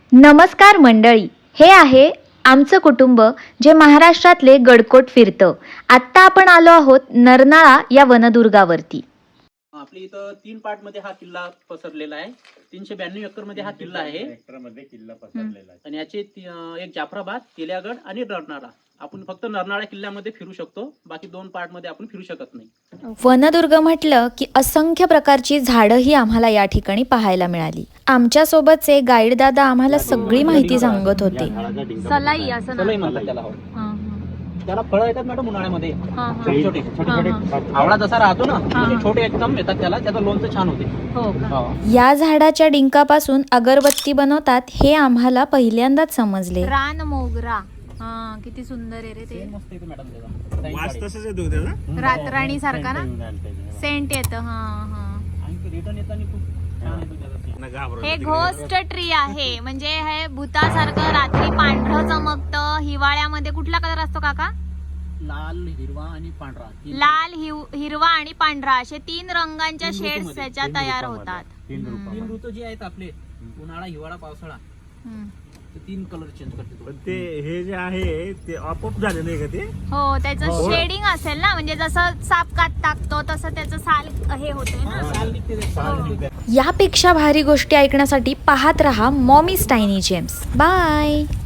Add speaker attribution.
Speaker 1: नमस्कार मंडळी, हे आहे आमचं कुटुंब जे महाराष्ट्रातले गडकोट फिरतं. आत्ता आपण आलो आहोत नरनाळा या वनदुर्गावरती.
Speaker 2: आपल्या इथं 3 पार्ट मध्ये हा किल्ला पसरलेला आहे. 392 एकर मध्ये हा किल्ला आहे
Speaker 3: किल्ला पसरलेला आहे.
Speaker 2: आणि याचे एक जाफराबाद, तेलियागड आणि नरनाळा. आपण फक्त नरनाळा किल्ल्यामध्ये फिरू शकतो, बाकी 2 पार्ट मध्ये आपण फिरू शकत नाही.
Speaker 1: वनदुर्ग म्हटलं की असंख्य प्रकारची झाडंही आम्हाला या ठिकाणी पाहायला मिळाली. आमच्या सोबतचे गाईड दादा आम्हाला सगळी माहिती सांगत होते.
Speaker 4: सलाई असं
Speaker 2: सलई म्हणतात त्याला. हो. त्याला फळं येतात मॅडम उन्हाळ्यामध्ये, छोटे छोटे. आवळा जसा राहतो ना, तसे छोटे एकदम येतात त्याला. त्याचं लोणचं छान होते. हो.
Speaker 1: या झाडाच्या डिंकापासून अगरबत्ती बनवतात हे आम्हाला पहिल्यांदाच समजले.
Speaker 4: रान मोगरा, किती सुंदर आहे रे ते.
Speaker 2: मस्त येते मॅडम त्याचा.
Speaker 3: वास तसंच येतो त्याला.
Speaker 4: रातराणी सारखा ना सेंट येत.
Speaker 2: आणि रिटर्न येताना खूप छान येतो त्याचा scent.
Speaker 4: हे घोस्ट ट्री आहे, म्हणजे हे भूतासारखं रात्री पांढरं चमकतं. हिवाळ्यामध्ये कुठला कलर असतो काका?
Speaker 2: लाल, हिरवा आणि पांढरा.
Speaker 4: लाल, हिरवा आणि पांढरा असे 3 रंगांच्या शेड्स त्याच्या तयार होतात.
Speaker 2: 3 ऋतू जे आहेत आपले, उन्हाळा, हिवाळा, पावसाळा, ते 3 कलर चेंज करते तो.
Speaker 3: पण ते हे जे आहे ते आपोआप झाले नाही का ते?
Speaker 4: हो, त्याचं शेडिंग असेल ना, म्हणजे जसं साप कात टाकतो तसं त्याचं साल हे होते ना.
Speaker 2: साल निघते ते, साल निघते.
Speaker 1: यापेक्षा भारी गोष्टी ऐकण्यासाठी पाहत रहा मॉमी टायनी जेम्स. बाय.